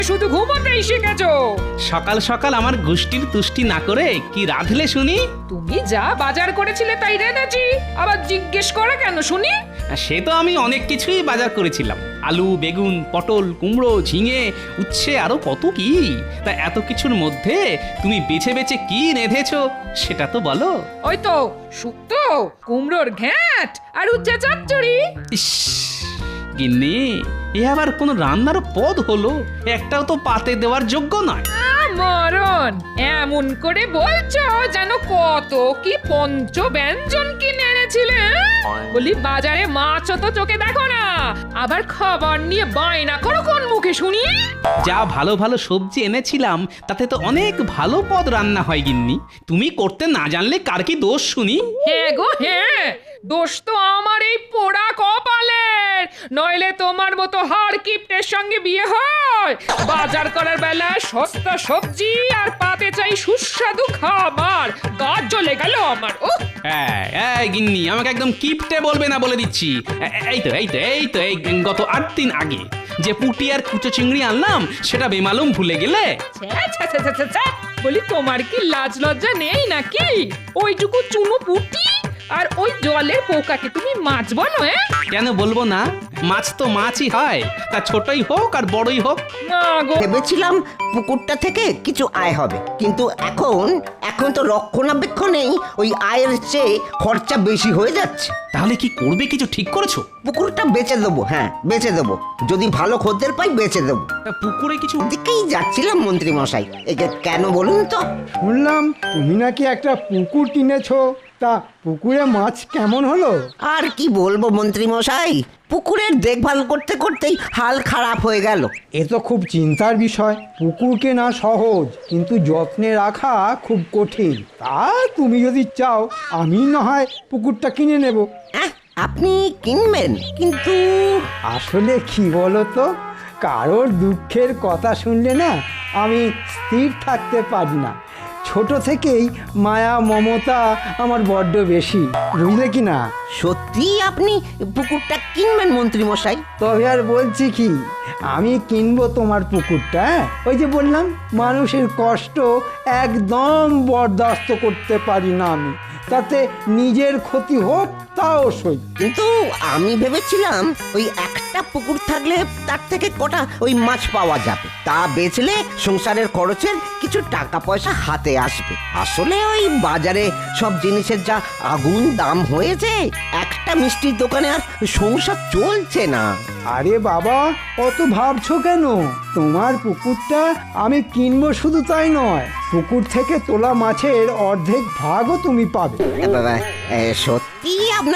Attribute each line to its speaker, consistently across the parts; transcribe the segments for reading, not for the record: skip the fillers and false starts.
Speaker 1: শুধু ঘুমোতেই শিখেছো।
Speaker 2: সকাল সকাল আমার গোষ্ঠীর তুষ্টি না করে কি রাঁধলে শুনি?
Speaker 1: তুমি যা বাজার করেছিলে তাই রেঁধেছি, আবার জিজ্ঞেস করে কেন শুনি?
Speaker 2: সে তো আমি অনেক কিছুই বাজার করেছিলাম, আলু, বেগুন, পটল, কুমড়ো, ঝিঙে, উচ্ছে, আরো কত কি। তা এত কিছুর মধ্যে তুমি বেছে বেছে কি রেঁধেছো সেটা তো বলো।
Speaker 1: ওই তো শুক্তো, কুমড়োর ঘ্যাঁট আর উচ্চে চচ্চড়ি।
Speaker 2: ইস গিন্নি, এ আবার কোন রান্নার পদ হলো? একটাও তো পাতে দেওয়ার যোগ্য নয়।
Speaker 1: মরণ, এমন করে বলছো যেন কত কি পঞ্চ ব্যঞ্জন কিনে এনেছিলে। বলি বাজারে মাছও তো চোখে দেখো না, আবার খাবার নিয়ে বায়না করো কোন মুখে শুনি?
Speaker 2: যা ভালো ভালো সবজি এনেছিলাম তাতে তো অনেক ভালো পদ রান্না হয় গিন্নি। তুমি করতে না জানলে কার কি দোষ শুনি?
Speaker 1: হ্যাঁ গো হ্যাঁ, দোষ তো আমার এই পোড়া কপালের, নইলে তোমার মতো হাড় কিপ্টের সঙ্গে বিয়ে হয়। বাজার করার বেলা সস্তা সবজি আর পাতে চাই সুস্বাদু খাবার, গা জ্বলে গেল আমার। ও
Speaker 2: এই গিন্নি, আমাকে একদম কিপটে বলবে না বলে দিচ্ছি। এই গত 8 দিন আগে যে পুঁটি আর কুচো চিংড়ি আনলাম সেটা বেমালুম ভুলে গেলে?
Speaker 1: বলি তোমার কি লাজ লজ্জা নেই নাকি? ওইটুকু চুনো পুটি আর ওই জলের পোকাকে তুমি মাছ বলো?
Speaker 2: কেন বলবো না? মাছ তো মাছই হয়, তা ছোটই হোক আর বড়ই হোক।
Speaker 1: মা গো,
Speaker 3: ভেবেছিলাম পুকুরটা থেকে কিছু আয় হবে, কিন্তু এখন তো রক্ষণাবেক্ষণেই ওই আয়ের চেয়ে খরচা বেশি হয়ে যাচ্ছে।
Speaker 2: তাহলে কি করবে, কিছু ঠিক করেছো?
Speaker 3: পুকুরটা বেচে দেবো, হ্যাঁ বেচে দেবো, যদি ভালো খদ্দের পাই বেচে দেবো।
Speaker 2: তা পুকুরে কিছু
Speaker 3: দিকেই যাচ্ছিলাম মন্ত্রী মশাই, একে কেন বলুন তো?
Speaker 4: শুনলাম তুমি নাকি একটা পুকুর কিনেছো, তা পুকুরে মাছ কেমন হলো?
Speaker 3: আর কি বলবো মন্ত্রী মশাই, পুকুরের দেখভাল করতে করতেই হাল খারাপ হয়ে গেল।
Speaker 4: এ তো খুব চিন্তার বিষয়। পুকুর কেনা সহজ, কিন্তু যত্নে রাখা খুব কঠিন। তা তুমি যদি চাও আমি না হয় পুকুরটা কিনে নেব।
Speaker 3: আপনি কিনবেন, কিন্তু
Speaker 4: আসলে কি বলো তো, কারোর দুঃখের কথা শুনলে না আমি স্থির থাকতে পারি না। ছোট থেকেই মায়া মমতা আমার বড্ড বেশি, বুঝলে কি না?
Speaker 3: সত্যি আপনি পুকুরটা কিনবেন মন্ত্রী মশাই?
Speaker 4: তবে আর বলছি কি, আমি কিনবো তোমার পুকুরটা। ওই যে বললাম, মানুষের কষ্ট একদম বরদাস্ত করতে পারি না আমি, তাতে নিজের ক্ষতি হোক তাও সই।
Speaker 3: কিন্তু আমি ভেবেছিলাম ওই একটা পুকুর থাকলে তার থেকে কটা ওই মাছ পাওয়া যাবে, তা বেচলে সংসারের খরচের কিছু টাকা পয়সা হাতে আসবে। আসলে ওই বাজারে সব জিনিসের যা আগুন দাম হয়েছে, একটা মিষ্টির দোকানে আর সংসার চলছে না।
Speaker 4: আরে বাবা, অত ভাবছো কেন? তোমার পুকুরটা আমি কিনবো শুধু তাই নয়, পুকুর থেকে তোলা মাছের অর্ধেক ভাগও তুমি পাবে।
Speaker 3: বাবা, সত্যি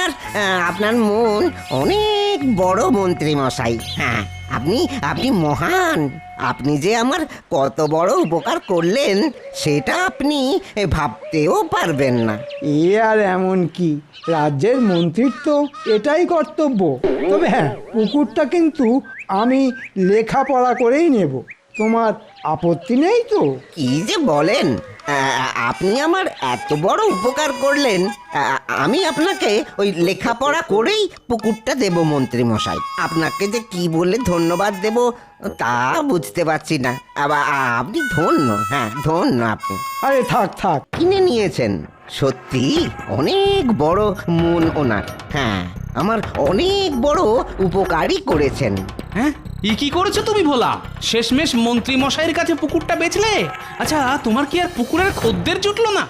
Speaker 3: আপনার মন অনেক বড় মন্ত্রী মশাই। হ্যাঁ, আপনি মহান। আপনি যে আমার কত বড় উপকার করলেন সেটা আপনি ভাবতেও পারবেন না।
Speaker 4: এ আর এমন কি, রাজ্যের মন্ত্রীর তো এটাই কর্তব্য। তবে হ্যাঁ, পুকুরটা কিন্তু আমি লেখাপড়া করেই নেব। তোমার আপত্তি নেই তো?
Speaker 3: কি যে বলেন, আপনি আমার এত বড় উপকার করলেন, আমি আপনাকে ওই লেখাপড়া করেই পুকুরটা দেব মন্ত্রী মশাই। আপনাকে যে কি বলে ধন্যবাদ দেব তা বুঝতে পারছি না। আবার আপনি ধন্য, হ্যাঁ ধন্য আপনি।
Speaker 4: আরে থাক থাক,
Speaker 3: কিনে নিয়েছেন, সত্যি অনেক বড় মন ওনার। হ্যাঁ, আমার অনেক বড় উপকারই করেছেন।
Speaker 2: হ্যাঁ, কি করেছো তুমি ভোলা? শেষমেশ মন্ত্রী মশাইয়ের কাছে পুকুরটা বেচলে? আচ্ছা, তোমার কি আর পুকুরের খদ্দের জুটলো না?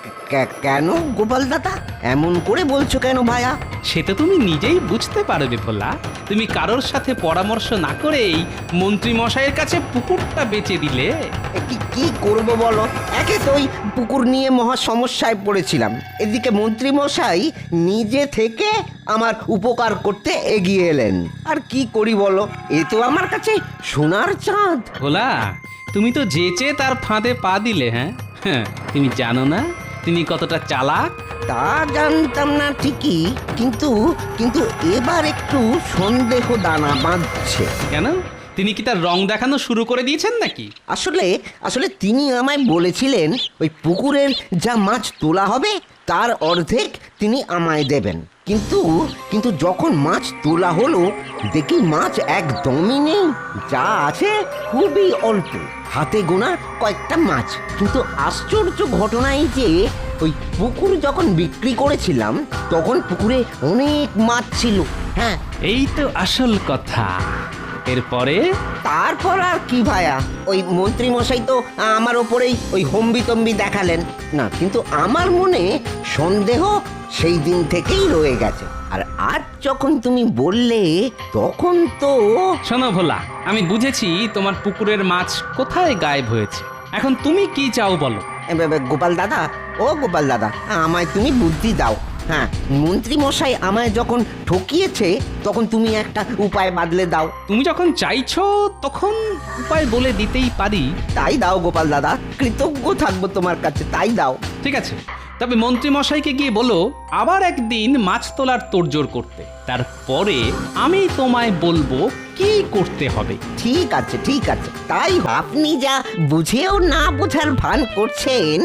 Speaker 3: কেন গোপাল দাদা, এমন করে বলছো কেন ভাইয়া?
Speaker 2: সেটা তুমি নিজেই বুঝতে পারবে ভোলা। তুমি কারোর সাথে পরামর্শ না করেই মন্ত্রী মশাইয়ের কাছে পুকুরটা বেচে দিলে।
Speaker 3: কি করব বলো, একে তো ওই পুকুর নিয়ে মহা সমস্যায় পড়েছিলাম, এদিকে মন্ত্রী মশাই নিজে থেকে আমার উপকার করতে এগিয়ে এলেন। আর কি করি বলো, এ তো আমার কাছে সোনার চাঁদ।
Speaker 2: ভোলা, তুমি তো যেচে তার ফাঁদে পা দিলে। হ্যাঁ, তুমি জানো না তুমি কতটা চালাক?
Speaker 3: তা জানতাম না ঠিকই, কিন্তু এবার একটু সন্দেহ দানা বাঁধছে।
Speaker 2: কেন, তিনি কি তার রং দেখানো শুরু করে দিয়েছেন নাকি?
Speaker 3: আসলে তিনি আমায় বলেছিলেন ওই পুকুরের যা মাছ তোলা হবে তার অর্ধেক তিনি আমায় দেবেন। কিন্তু কিন্তু যখন মাছ তোলা হলো দেখি মাছ একদমই নেই, যা আছে খুবই অল্প, হাতে গোনা কয়েকটা মাছ। কিন্তু আশ্চর্য ঘটনা এই যে ওই পুকুর যখন বিক্রি করেছিলাম তখন পুকুরে অনেক মাছ ছিল। হ্যাঁ,
Speaker 2: এই তো আসল কথা। এরপরে
Speaker 3: তারপর আর কি ভায়া, ওই মন্ত্রী মশাই তো আমার ওপরেই ওই হম্বিতম্বি দেখালেন না, কিন্তু আমার মনে সন্দেহ সেই দিন থেকেই রয়ে গেছে। আর আজ যখন তুমি বললে তখন তো
Speaker 2: শোনো ভোলা, আমি বুঝেছি তোমার পুকুরের মাছ কোথায় গায়েব হয়েছে। এখন তুমি কি চাও বলো?
Speaker 3: গোপাল দাদা, ও গোপাল দাদা, আমায় তুমি বুদ্ধি দাও। হ্যাঁ, মন্ত্রী মশাই আমায় যখন ঠকিয়েছে তখন তুমি একটা উপায় বাদলে দাও।
Speaker 2: তুমি যখন চাইছো তখন উপায় বলে দিতেই পারি।
Speaker 3: তাই দাও গোপাল দাদা, কৃতজ্ঞ থাকবো তোমার কাছে, তাই দাও।
Speaker 2: ঠিক আছে, তবে মন্ত্রী মশাইকে গিয়ে বলো আবার একদিন মাছ তোলার তোড়জোড় করতে। তারপরে আমি তোমায় বলবো কি করতে হবে।
Speaker 3: ঠিক আছে, ঠিক আছে, তাই আপনি যা বুঝেও না বোঝার ভান করছেন।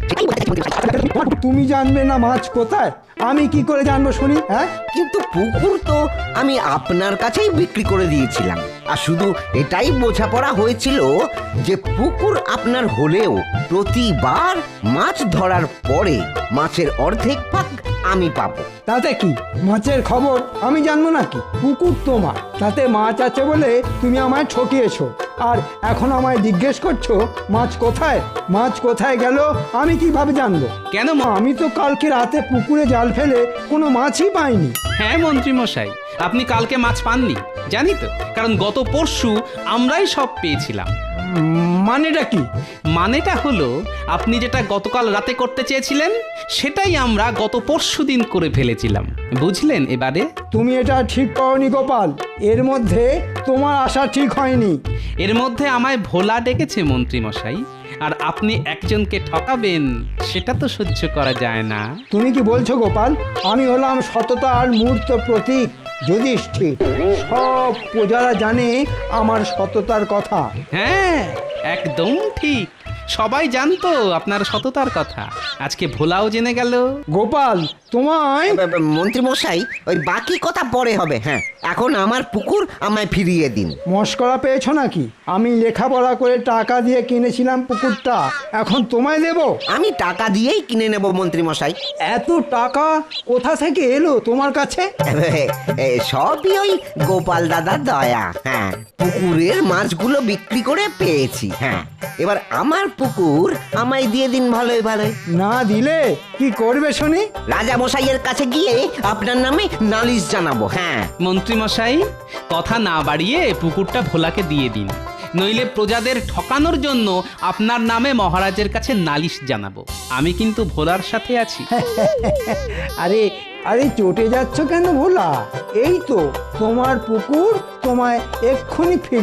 Speaker 4: তুমি জানবে না মাছ কোথায়, আমি কি করে জানবো শুনি? হ্যাঁ,
Speaker 3: কিন্তু পুকুর তো আমি আপনার কাছেই বিক্রি করে দিয়েছিলাম, আর শুধু এটাই বোঝাপড়া হয়েছিল যে পুকুর আপনার হলেও প্রতিবার মাছ ধরার পরে মাছের অর্ধেক ভাগ আমি পাবো।
Speaker 4: তাতে কি, মাছের খবর আমি জানবো নাকি? পুকুর তোমার, তাতে মাছ আছে বলে তুমি আমায় ঠকিয়েছো, আর এখন আমায় জিজ্ঞেস করছো মাছ কোথায়? মাছ কোথায় গেল আমি কিভাবে জানবো?
Speaker 2: কেন
Speaker 4: আমি তো কালকে রাতে পুকুরে জাল ফেলে কোনো মাছই পাইনি।
Speaker 2: হ্যাঁ মন্ত্রী মশাই, আপনি কালকে মাছ পাননি জানি তো, কারণ গত পরশু আমরাই সব পেয়েছিলাম।
Speaker 4: মানেটা কি?
Speaker 2: মানেটা হলো আপনি যেটা গতকাল রাতে করতে চেয়েছিলেন সেটাই আমরা গত পরশুদিন করে ফেলেছিলাম, বুঝলেন? এবারে
Speaker 4: তুমি এটা ঠিক করনি গোপাল, এর মধ্যে তোমার আশা ঠিক হয়নি।
Speaker 2: এর মধ্যে আমায় ভোলা ডেকেছে মন্ত্রী মশাই, আর আপনি একজনকে ঠকাবেন সেটা তো সহ্য করা যায় না।
Speaker 4: তুমি কি বলছো গোপাল? আমি হলাম সততার মূর্ত প্রতীক যুধিষ্ঠির, সব প্রজারা জানে আমার সততার কথা।
Speaker 2: হ্যাঁ একদম ঠিক, সবাই জানতো আপনার সততার কথা, আজকে ভোলাও জেনে গেল।
Speaker 4: গোপাল তোমায়
Speaker 3: মন্ত্রী মশাই, ওই বাকি কথা পরে হবে। হ্যাঁ, এখন আমার পুকুর আমায় ফিরিয়ে দিন।
Speaker 4: মস্করা পেয়েছো নাকি? আমি লেখাপড়া করে টাকা দিয়ে কিনেছিলাম পুকুরটা, এখন তোমায় দেব?
Speaker 3: আমি টাকা দিয়েই কিনে নেব মন্ত্রী মশাই।
Speaker 4: এত টাকা কোথা থেকে এলো তোমার কাছে?
Speaker 3: সবই ওই গোপাল দাদার দয়া। হ্যাঁ, পুকুরের মাছগুলো বিক্রি করে পেয়েছি। হ্যাঁ, এবার আমার পুকুর আমায় দিয়ে দিন ভালোই ভালোই।
Speaker 4: না দিলে কি করবে শুনি?
Speaker 3: রাজা মশাইয়ের কাছে গিয়ে আপনার নামে নালিশ জানাবো। হ্যাঁ,
Speaker 2: মন্ত্রী মশাই, কথা না বাড়িয়ে পুকুরটা ভোলাকে দিয়ে দিন, নইলে প্রজাদের ঠকানোর জন্য আপনার নামে মহারাজের কাছে নালিশ জানাবো। আমি কিন্তু ভোলার সাথে আছি।
Speaker 4: আরে আরে চটে যাচ্ছ কেন ভোলা? এই তো তোমার পুকুর, তোমায় এক্ষুনি ফিরিয়ে